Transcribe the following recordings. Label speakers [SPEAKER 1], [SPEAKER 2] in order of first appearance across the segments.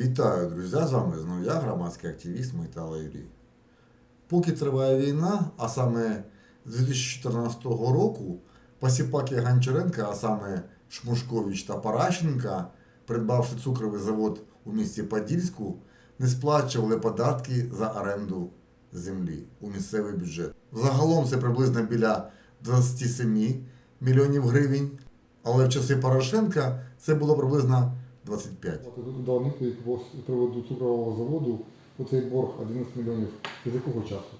[SPEAKER 1] Вітаю, друзі! З вами знову я, громадський активіст Майтала Юрій. Поки триває війна, а саме з 2014 року, посіпаки Гончаренка, а саме Шмушкович та Паращенка, придбавши цукровий завод у місті Подільську, не сплачували податки за оренду землі у місцевий бюджет. Загалом це приблизно біля 27 мільйонів гривень, але в часи Порошенка це було приблизно 25.
[SPEAKER 2] Дав відповідь з приводу цукрового заводу, оцей борг 11 мільйонів. З якого часу?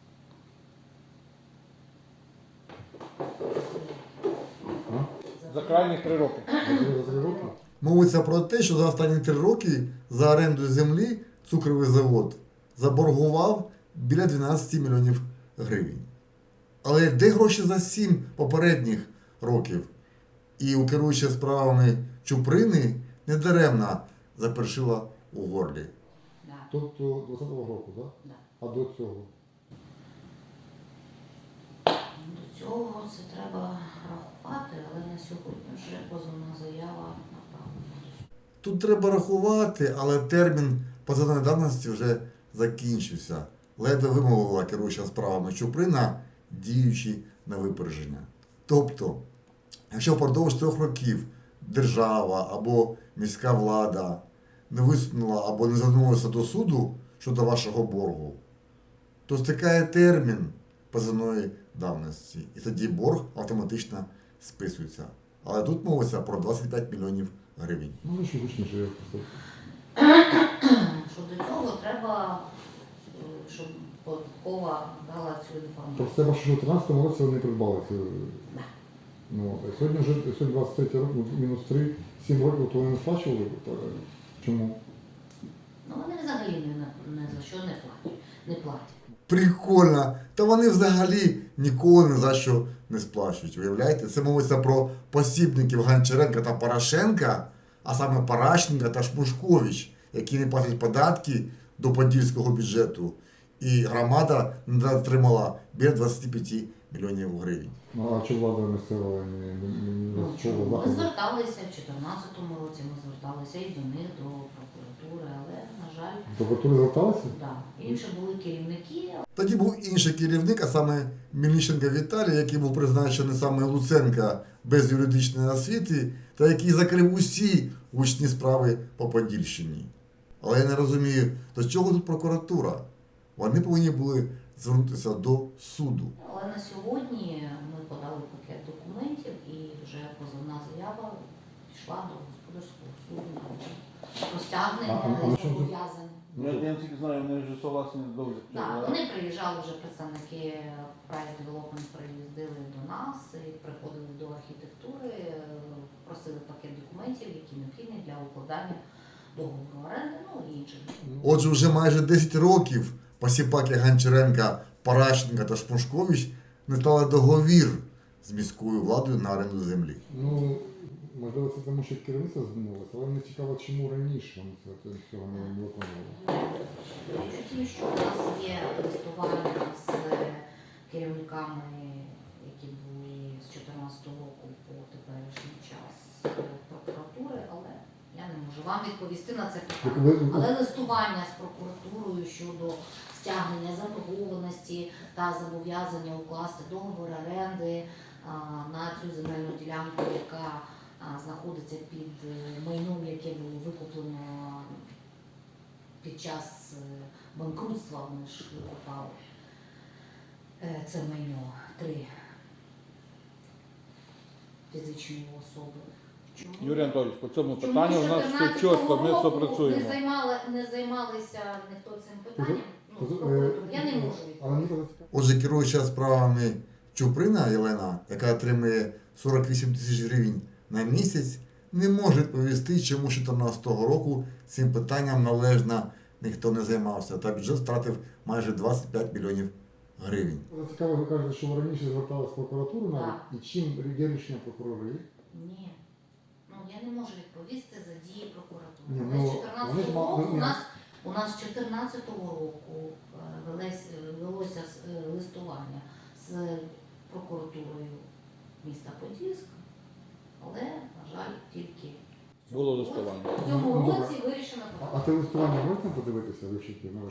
[SPEAKER 3] За крайні 3 роки.
[SPEAKER 2] За 3 роки?
[SPEAKER 1] Мовиться про те, що за останні 3 роки за оренду землі цукровий завод заборгував біля 12 мільйонів гривень. Але де гроші за 7 попередніх років? І у керуючої справами Чуприни недаремно запершила у горлі.
[SPEAKER 4] Да.
[SPEAKER 2] Тобто 20-го року, так?
[SPEAKER 4] Да.
[SPEAKER 2] А до цього?
[SPEAKER 4] До цього це треба рахувати, але на сьогодні вже позовна заява направлена.
[SPEAKER 1] Тут треба рахувати, але термін позовної давності вже закінчився. Ледве вимовила керуюча справами Чуприна, діючи на випередження. Тобто, якщо впродовж 3 років держава або міська влада не висунула або не звернулася до суду щодо вашого боргу, то стикає термін позовної давності. І тоді борг автоматично списується. Але тут мовиться про 25 мільйонів гривень.
[SPEAKER 2] Ну, ви що гучніше, я просто.
[SPEAKER 4] Що до цього треба, щоб податкова дала цю інформацію.
[SPEAKER 2] Тобто це що в 13-му році вони придбали цю.
[SPEAKER 4] Да.
[SPEAKER 2] Ну, а сьогодні вже 23 рік, мінус 3, 7 років, то вони не сплачували? Чому?
[SPEAKER 4] Ну вони взагалі ні за що не платять.
[SPEAKER 1] Прикольно! Та вони взагалі ніколи ні за що не сплачують. Уявляєте? Це мовиться про посібників Гончаренка та Порошенка, а саме Паращенка та Шмушкович, які не платять податки до подільського бюджету. І громада не отримала біля 25 мільйонів гривень.
[SPEAKER 2] Ну, а чи влада місцева не
[SPEAKER 4] Ми
[SPEAKER 2] заходу?
[SPEAKER 4] зверталися в 2014 році, ми зверталися і до них, до прокуратури, але, на жаль,
[SPEAKER 2] До прокуратури зверталися?
[SPEAKER 4] да, інші були керівники.
[SPEAKER 1] Тоді був інший керівник, а саме Мельниченко Віталій, який був призначений саме Луценка без юридичної освіти, та який закрив усі гучні справи по Подільщині. Але я не розумію, до чого тут прокуратура? Вони повинні були звернутися до суду.
[SPEAKER 4] Але на сьогодні ми подали пакет документів і вже позовна заява пішла до господарського суду про стягнення зобов'язань.
[SPEAKER 3] Я тільки знаю, вони вже согласні довго.
[SPEAKER 4] Так, вони приїжджали вже представники Private Development, приїздили до нас і приходили до архітектури, просили пакет документів, які необхідні для укладання договору оренди, ну і інших.
[SPEAKER 1] Отже, вже майже 10 років посіпаки Гончаренка, Паращенка та Шмушкович не стали договір з міською владою на оренду землі.
[SPEAKER 2] Ну, можливо, це тому, що керівництво змінилося, але мені цікаво, чому раніше вони цього не виконували.
[SPEAKER 4] Ті, що у нас є листування з керівниками, які були з 2014 року по теперішній час прокуратури, але я не можу вам відповісти на це питання. Але листування з прокуратурою щодо стягнення заборгованості та зобов'язання укласти договор оренди на цю земельну ділянку, яка знаходиться під майном, яке було викуплено під час банкрутства, вони ж викупали це майно 3 фізичні особи. Чому?
[SPEAKER 3] Юрій Анатолійович, по цьому
[SPEAKER 4] Чому
[SPEAKER 3] питанню у нас все чітко, ми все працюємо.
[SPEAKER 4] Не займалися ніхто цим питанням? Ну,
[SPEAKER 2] Тобто,
[SPEAKER 4] прокуратура. Я не можу
[SPEAKER 2] Але мені
[SPEAKER 4] відповісти.
[SPEAKER 2] це цікаво.
[SPEAKER 1] Отже, керуюча справами Чуприна Єлена, яка отримує 48 тисяч гривень на місяць, не може відповісти, чому з 2014 року цим питанням належно ніхто не займався, та бюджет втратив майже 25 мільйонів гривень.
[SPEAKER 2] Це цікаво, ви кажете, що ви раніше зверталися в прокуратуру навіть,
[SPEAKER 4] Так.
[SPEAKER 2] і чим є рішення прокурори?
[SPEAKER 4] Ні. Ну, я не можу відповісти за дії прокуратури.
[SPEAKER 2] Ні,
[SPEAKER 4] Але
[SPEAKER 2] ну,
[SPEAKER 4] з 14
[SPEAKER 2] вони ж
[SPEAKER 4] року
[SPEAKER 2] ні.
[SPEAKER 4] у нас з 14 року велося листування з прокуратурою міста Подільська, але, на жаль, тільки
[SPEAKER 3] Було листування.
[SPEAKER 4] В цьому
[SPEAKER 2] Ну, добре.
[SPEAKER 4] році вирішено
[SPEAKER 2] А те листування можна подивитися, вивчити? Ну,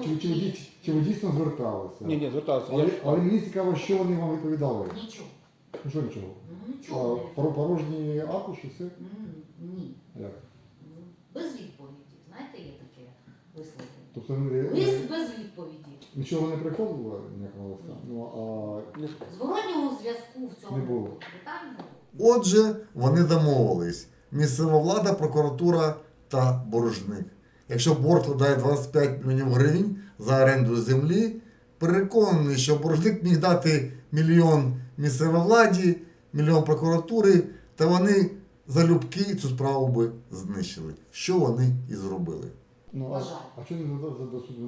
[SPEAKER 2] чи ви дійсно зверталися?
[SPEAKER 3] Ні, звертався. Я
[SPEAKER 2] Але,
[SPEAKER 3] ж
[SPEAKER 2] але мені цікаво, що вони вам відповідали.
[SPEAKER 4] нічого.
[SPEAKER 2] Ну що нічого?
[SPEAKER 4] Ну нічого. не відповідно.
[SPEAKER 2] Порожні аркуші, все?
[SPEAKER 4] Ні.
[SPEAKER 2] Як?
[SPEAKER 4] Без відповіді. Знаєте, є таке висловлення.
[SPEAKER 2] Тобто вони,
[SPEAKER 4] Лист без відповіді.
[SPEAKER 2] нічого не приходило ніякого листа? Ну,
[SPEAKER 4] Зворотнього зв'язку в цьому
[SPEAKER 2] Не було.
[SPEAKER 4] питанні не було.
[SPEAKER 1] Отже, вони домовились. Місцева влада, прокуратура та боржник. Якщо борг складає 25 мільйонів гривень за оренду землі, переконаний, що боржник міг дати 1 мільйон місцевій владі, 1 мільйон прокуратури, та вони залюбки цю справу би знищили. Що вони і зробили.
[SPEAKER 2] ну
[SPEAKER 4] Бажаю.
[SPEAKER 2] а чому не до суду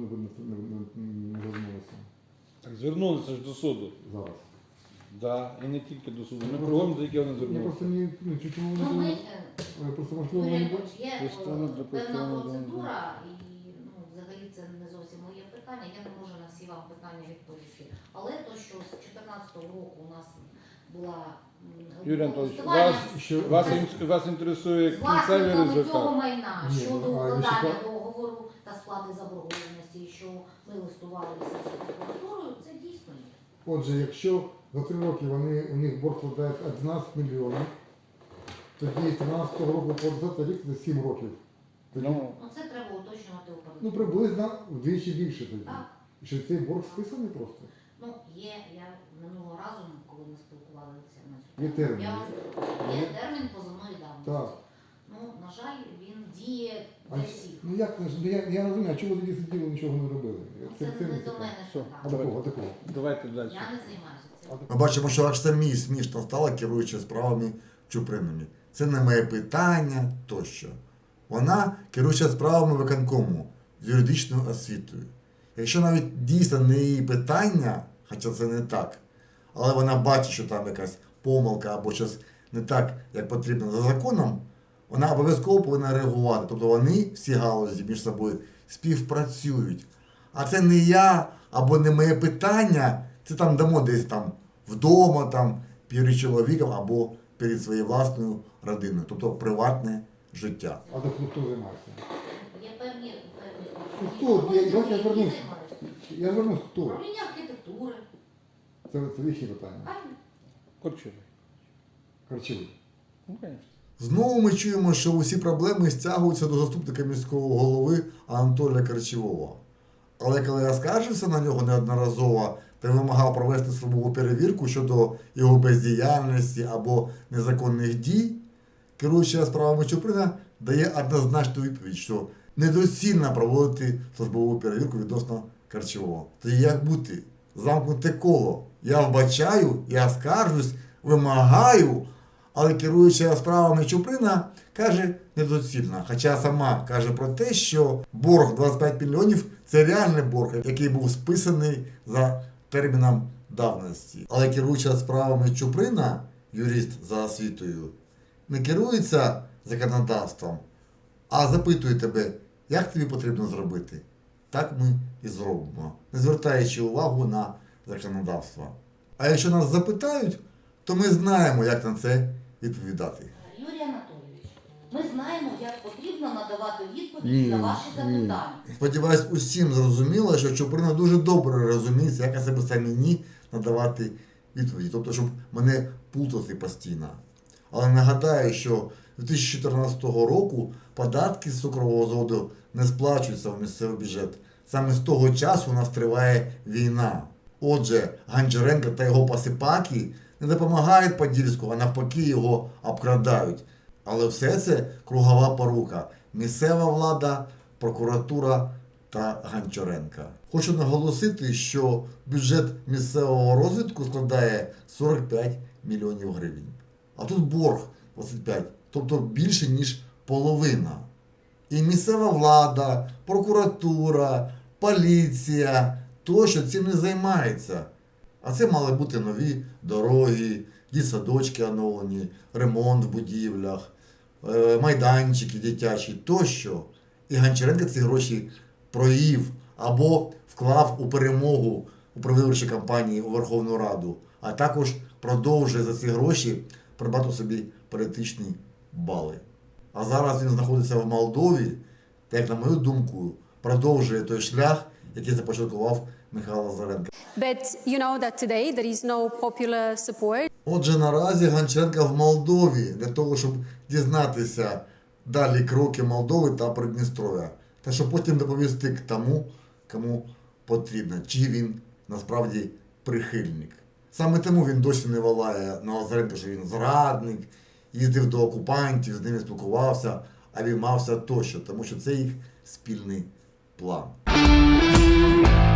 [SPEAKER 2] не звернулися
[SPEAKER 3] так звернулися ж до суду.
[SPEAKER 2] зараз?
[SPEAKER 3] Да, і не тільки до суду. Ми кругом, до якого вони
[SPEAKER 2] Я просто
[SPEAKER 3] звернулися.
[SPEAKER 2] не, чому
[SPEAKER 4] Ну, ми,
[SPEAKER 2] вони, просто можливо,
[SPEAKER 4] Юрій
[SPEAKER 2] вони...
[SPEAKER 4] Анатолійович, є
[SPEAKER 3] Постанова для
[SPEAKER 4] певна
[SPEAKER 3] постанови,
[SPEAKER 4] процедура, і ну, взагалі це не зовсім моє питання. Я не можу на всі вам питання відповісти. Але то, що з 2014 року у нас була
[SPEAKER 3] Юрій Анатолійович,
[SPEAKER 4] листування
[SPEAKER 2] Що,
[SPEAKER 3] вас інтересує
[SPEAKER 4] з
[SPEAKER 3] кінцевий
[SPEAKER 4] власниками
[SPEAKER 3] результат.
[SPEAKER 4] цього майна
[SPEAKER 2] Ні,
[SPEAKER 4] щодо
[SPEAKER 2] ну, а
[SPEAKER 4] укладання
[SPEAKER 2] ще-
[SPEAKER 4] договору та сплати заборгованості, що ми листувалися з прокуратурою, це дійсно є.
[SPEAKER 2] Отже, якщо за 3 роки у них борг складає 11 мільйонів, тоді з 13 року по 20 рік це 7 років. Тоді,
[SPEAKER 3] Ну,
[SPEAKER 4] Ну це треба уточнювати у
[SPEAKER 2] ну,
[SPEAKER 4] передбаченні.
[SPEAKER 2] приблизно вдвічі більше тоді.
[SPEAKER 4] Так.
[SPEAKER 2] І що цей борг списаний просто?
[SPEAKER 4] Ну, є, я минулого разу, коли ми спілкувалися на цю
[SPEAKER 2] Є
[SPEAKER 4] тему,
[SPEAKER 2] термін.
[SPEAKER 4] я вам є термін позовної давності.
[SPEAKER 2] Так.
[SPEAKER 4] Ну, на жаль, він діє
[SPEAKER 2] А,
[SPEAKER 4] для всіх.
[SPEAKER 2] ну як це ж? Ну, я розумію, а чого ви тоді сиділи, нічого не робили?
[SPEAKER 4] Це не
[SPEAKER 2] не
[SPEAKER 4] до
[SPEAKER 2] цікаво.
[SPEAKER 4] мене
[SPEAKER 3] Все.
[SPEAKER 2] А
[SPEAKER 4] питання.
[SPEAKER 2] такого, а такого.
[SPEAKER 3] давайте далі.
[SPEAKER 4] Я не займаюся цим.
[SPEAKER 1] Ми бачимо, що аж самі смішно стало, керуючи справами Чупринові. Це не моє питання тощо. Вона керуюча справами виконкому з юридичною освітою. Якщо навіть дійсно не її питання, хоча це не так, але вона бачить, що там якась помилка або щось не так, як потрібно за законом, вона обов'язково повинна реагувати. Тобто вони всі галузі між собою співпрацюють. А це не я або не моє питання, це там дамо десь там вдома, там, перед чоловіком або перед своєю власною родиною, тобто приватне життя.
[SPEAKER 2] А так хто займається?
[SPEAKER 4] Є певні
[SPEAKER 2] Ну, хто? Я
[SPEAKER 4] які
[SPEAKER 2] звернусь.
[SPEAKER 4] займаються.
[SPEAKER 2] Я звернусь, хто?
[SPEAKER 4] Управління архітектури.
[SPEAKER 2] Це їхні питання.
[SPEAKER 4] Правильно?
[SPEAKER 3] Корчовий.
[SPEAKER 2] Харчові.
[SPEAKER 3] Ну, звісно.
[SPEAKER 1] Знову ми чуємо, що усі проблеми стягуються до заступника міського голови Анатолія Карчевого. Але коли я скаржився на нього неодноразово та вимагав провести службову перевірку щодо його бездіяльності або незаконних дій, керуюча справами Чуприна дає однозначну відповідь, що недоцільно проводити службову перевірку відносно Карчевого. Тоді як бути? Замкнуте коло. Я вбачаю, я скаржусь, вимагаю, але керуюча справами Чуприна каже недоцільно. Хоча сама каже про те, що борг 25 мільйонів – це реальний борг, який був списаний за терміном давності. Але керуюча справами Чуприна, юрист за освітою, не керується законодавством, а запитує тебе, як тобі потрібно зробити. Так ми і зробимо, не звертаючи увагу на законодавство. А якщо нас запитають, то ми знаємо, як на це відповідати.
[SPEAKER 4] Юрій Анатолійович, ми знаємо, як потрібно надавати відповідь
[SPEAKER 2] Ні,
[SPEAKER 4] на ваші
[SPEAKER 2] ні.
[SPEAKER 4] запитання.
[SPEAKER 1] Сподіваюсь, усім зрозуміло, що Чуприна дуже добре розуміється, як особисто мені надавати відповіді, тобто, щоб мене плутати постійно. Але нагадаю, що з 2014 року податки з цукрового заводу не сплачуються в місцевий бюджет. Саме з того часу у нас триває війна. Отже, Гончаренко та його посипаки не допомагають Подільську, а навпаки його обкрадають. Але все це кругова порука. Місцева влада, прокуратура та Гончаренка. Хочу наголосити, що бюджет місцевого розвитку складає 45 мільйонів гривень. А тут борг 25, тобто більше, ніж половина. І місцева влада, прокуратура, поліція тощо цим не займається. А це мали бути нові дороги, дитсадочки оновлені, ремонт в будівлях, майданчики дитячі тощо. І Гончаренко ці гроші проїв або вклав у перемогу у предвиборчій кампанії у Верховну Раду, а також продовжує за ці гроші придбати собі політичні бали. А зараз він знаходиться в Молдові, та, як на мою думку, продовжує той шлях, який започаткував Михайло Лазаренко.
[SPEAKER 5] But you know that today there is no popular support.
[SPEAKER 1] Отже, наразі Гончаренко в Молдові для того, щоб дізнатися далі кроки Молдови та Придністров'я. Та щоб потім доповісти к тому, кому потрібно, чи він насправді прихильник. Саме тому він досі не волає на Лазаренка, що він зрадник, їздив до окупантів, з ними спілкувався, обіймався тощо, тому що це їх спільний план.